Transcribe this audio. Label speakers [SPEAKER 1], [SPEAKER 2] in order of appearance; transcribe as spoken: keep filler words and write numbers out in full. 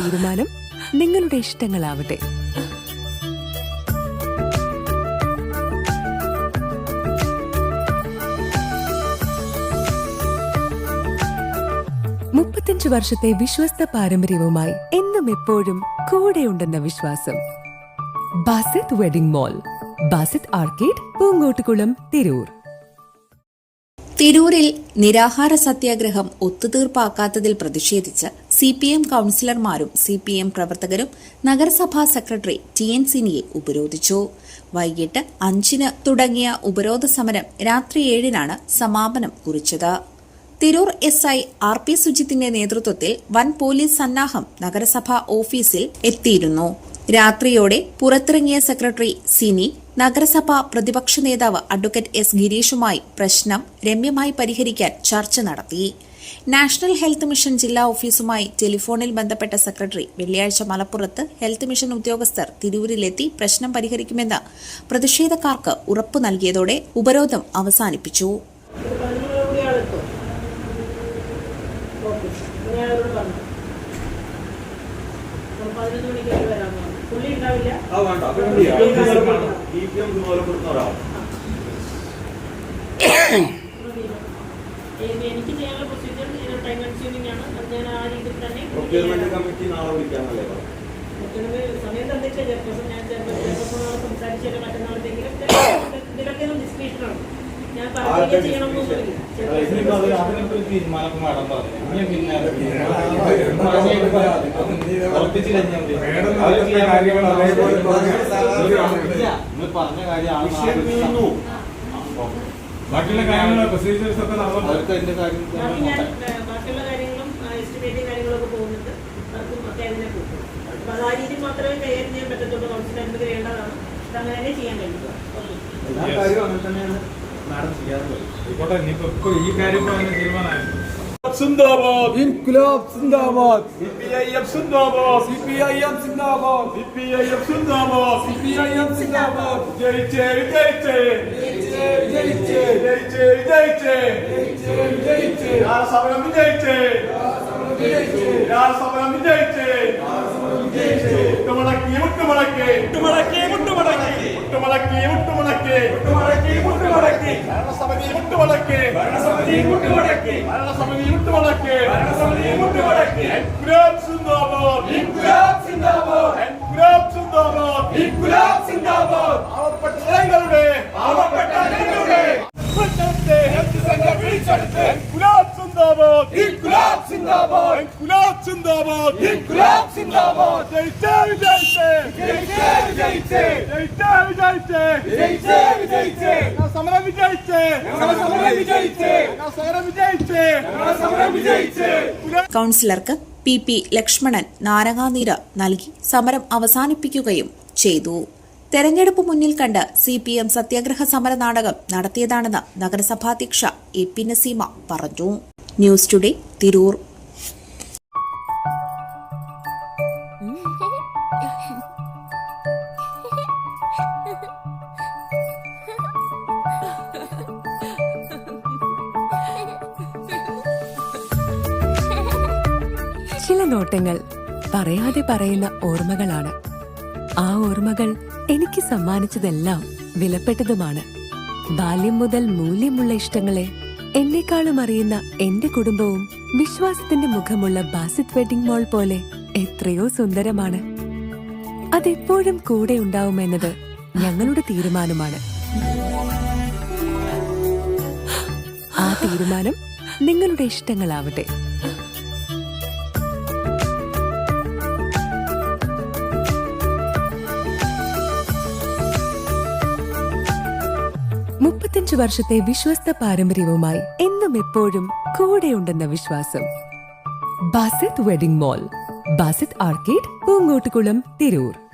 [SPEAKER 1] തീരുമാനം നിങ്ങളുടെ ഇഷ്ടങ്ങളാവട്ടെ. മുപ്പത്തിയഞ്ച് വർഷത്തെ വിശ്വസ്ത പാരമ്പര്യവുമായി എന്നും എപ്പോഴും കൂടെയുണ്ടെന്ന വിശ്വാസം. Basith wedding mall, Basith arcade, Poonkottukulam, Tirur.
[SPEAKER 2] തിരൂരിൽ നിരാഹാര സത്യാഗ്രഹം ഒത്തുതീർപ്പാക്കാത്തതിൽ പ്രതിഷേധിച്ച് സി പി എം കൌൺസിലർമാരും സി പി എം പ്രവർത്തകരും നഗരസഭാ സെക്രട്ടറി ടി എൻ സിനിയെ ഉപരോധിച്ചു. വൈകിട്ട് അഞ്ചിന് തുടങ്ങിയ ഉപരോധ സമരം രാത്രി ഏഴിനാണ് സമാപനം കുറിച്ചത്. Tirur S I R P സുജിത്തിന്റെ നേതൃത്വത്തിൽ വൻ പോലീസ് സന്നാഹം നഗരസഭാ ഓഫീസിൽ എത്തിയിരുന്നു. രാത്രിയോടെ പുറത്തിറങ്ങിയ സെക്രട്ടറി സിനി നഗരസഭാ പ്രതിപക്ഷ നേതാവ് അഡ്വക്കേറ്റ് എസ് ഗിരീഷുമായി പ്രശ്നം രമ്യമായി പരിഹരിക്കാൻ ചർച്ച നടത്തി. നാഷണൽ ഹെൽത്ത് മിഷൻ ജില്ലാ ഓഫീസുമായി ടെലിഫോണിൽ ബന്ധപ്പെട്ട സെക്രട്ടറി വെള്ളിയാഴ്ച മലപ്പുറത്ത് ഹെൽത്ത് മിഷൻ ഉദ്യോഗസ്ഥർ തിരൂരിലെത്തി പ്രശ്നം പരിഹരിക്കുമെന്ന് പ്രതിഷേധക്കാർക്ക് ഉറപ്പു നൽകിയതോടെ ഉപരോധം അവസാനിപ്പിച്ചു.
[SPEAKER 3] എനിക്ക് ചെയ്യാനുള്ള പ്രൊസീജിയർ ടൈം കൺസ്യൂമിംഗ് ആണ്. ഞാൻ ആ രീതിയിൽ തന്നെ സമയം തന്നിട്ട് ചെയർപേഴ്സൺ ഞാൻ ചെയർപേഴ്സണോട് സംസാരിച്ചിട്ട് മറ്റന്നാളത്തെങ്കിലും ഇതിലൊക്കെ ഡിസ്ക്രിപ്ഷനാണ്. ഞാൻ പറയുകയും ചെയ്യണമെന്നൊന്നുമില്ല.
[SPEAKER 4] ബാക്കിയുള്ള കാര്യങ്ങളും പ്രൊസീജിയേഴ്സ് ഒക്കെ
[SPEAKER 3] ബാക്കിയുള്ള കാര്യങ്ങളും എസ്റ്റിമേറ്റും കാര്യങ്ങളൊക്കെ പോകുന്നുണ്ട്. അവർക്കും ഒക്കെ അതിനെ കൂട്ടും. അപ്പൊ അത് ആ രീതിയിൽ മാത്രമേ കൈകാര്യം ചെയ്യാൻ പറ്റത്തുള്ളൂ. കൗൺസിൽ അനുമതി വേണ്ടതാണ്. അത് അങ്ങനെ തന്നെ ചെയ്യാൻ കഴിയുക.
[SPEAKER 4] എല്ലാ കാര്യവും അങ്ങനെ തന്നെയാണ് മാഡം ചെയ്യാറുള്ളത്. ആയിക്കോട്ടെ, ഇനിയിപ്പോ ഈ കാര്യം തീരുമാനമായിരുന്നു.
[SPEAKER 5] സിന്ദാബാദ്, ഇൻക്ലാബ് സിന്ദാബാദ്,
[SPEAKER 4] സിപിഐഎം സിന്ദാബാദ്,
[SPEAKER 5] സിപിഐഎം സിന്ദാബാദ്,
[SPEAKER 4] സിപിഐഎം സിന്ദാബാദ്,
[SPEAKER 5] സിപിഐഎം സിന്ദാബാദ്.
[SPEAKER 4] ജയിച്ചേ വിജയിച്ചേ,
[SPEAKER 5] വിജയിച്ചേ വിജയിച്ചേ,
[SPEAKER 4] ജയിച്ചേ വിജയിച്ചേ,
[SPEAKER 5] വിജയിച്ചേ വിജയിച്ചേ,
[SPEAKER 4] സമരം വിജയിച്ചേ,
[SPEAKER 5] വിജയിച്ചേ,
[SPEAKER 4] സമരം വിജയിച്ചേ,
[SPEAKER 5] വിജയിച്ചേ.
[SPEAKER 4] മുട്ടുമടക്കി മുട്ടുമടക്കി
[SPEAKER 5] മുട്ടുമടക്കി മുട്ടുമടക്കി,
[SPEAKER 4] മുട്ടുമടക്കി മുട്ടുമടക്കി
[SPEAKER 5] മുട്ടുമടക്കി മുട്ടുമടക്കി,
[SPEAKER 4] ഭരണസമിതി മുട്ടുമടക്കി,
[SPEAKER 5] ഭരണസമിതി മുട്ടുമടക്കി,
[SPEAKER 4] ഭരണസമിതി മുട്ടുമടക്കി,
[SPEAKER 5] ഭരണസമിതി മുട്ടുമടക്കി.
[SPEAKER 4] ഇൻക്ലാബ് സിന്ദാബാദ്,
[SPEAKER 5] ഇൻക്ലാബ് സിന്ദാബാദ്,
[SPEAKER 4] ഇൻക്ലാബ് സിന്ദാബാദ്,
[SPEAKER 5] ഇൻക്ലാബ് സിന്ദാബാദ്.
[SPEAKER 4] പാവപ്പെട്ട ജനങ്ങളുടെ
[SPEAKER 5] പാവപ്പെട്ട ജനങ്ങളുടെ
[SPEAKER 4] മുന്നത്തെ
[SPEAKER 5] ഹെൽത്ത് സെന്റർ പിടിച്ചെടുത്ത്
[SPEAKER 4] ഇൻക്ലാബ് സിന്ദാബാദ്,
[SPEAKER 5] ഇൻക്ലാബ് സിന്ദാബാദ്,
[SPEAKER 4] ഇൻക്ലാബ് സിന്ദാബാദ്,
[SPEAKER 5] ഇൻക്ലാബ് സിന്ദാബാദ്.
[SPEAKER 4] ജയിച്ചേ വിജയിച്ചേ,
[SPEAKER 5] വിജയിച്ചേ വിജയിച്ചേ,
[SPEAKER 4] ജയിച്ചേ വിജയിച്ചേ,
[SPEAKER 5] വിജയിച്ചേ വിജയിച്ചേ,
[SPEAKER 4] സമരം വിജയിച്ചേ,
[SPEAKER 5] ഞങ്ങളുടെ സമരം വിജയിച്ചേ,
[SPEAKER 4] സമരം വിജയിച്ചേ,
[SPEAKER 5] ഞങ്ങളുടെ സമരം വിജയിച്ചേ.
[SPEAKER 2] കൌൺസിലർക്ക് പി പി ലക്ഷ്മണൻ നാരങ്ങാനീര് നൽകി സമരം അവസാനിപ്പിക്കുകയും ചെയ്തു. തെരഞ്ഞെടുപ്പ് മുന്നിൽ കണ്ട് സി പി എം സത്യാഗ്രഹ സമര നാടകം നടത്തിയതാണെന്ന് നഗരസഭാധ്യക്ഷ എ പി നസീമ പറഞ്ഞു. News today, Tirur.
[SPEAKER 1] ചില നോട്ടങ്ങൾ പറയാതെ പറയുന്ന ഓർമ്മകളാണ്. ആ ഓർമ്മകൾ എനിക്ക് സമ്മാനിച്ചതെല്ലാം വിലപ്പെട്ടതുമാണ്. ബാല്യം മുതൽ മൂല്യമുള്ള ഇഷ്ടങ്ങളെ എന്നെക്കാളും അറിയുന്ന എന്റെ കുടുംബവും വിശ്വാസത്തിന്റെ മുഖമുള്ള ബാസിത് വെഡിംഗ് മോൾ പോലെ എത്രയോ സുന്ദരമാണ്. അതെപ്പോഴും കൂടെ ഉണ്ടാവുമെന്നത് ഞങ്ങളുടെ തീരുമാനമാണ്. ആ തീരുമാനം നിങ്ങളുടെ ഇഷ്ടങ്ങളാവട്ടെ. മുപ്പത്തിയഞ്ച് വർഷത്തെ വിശ്വസ്ത പാരമ്പര്യവുമായി എന്നും എപ്പോഴും കൂടെയുണ്ടെന്ന വിശ്വാസം. Basith wedding mall, Basith arcade, Poonkottukulam, Tirur.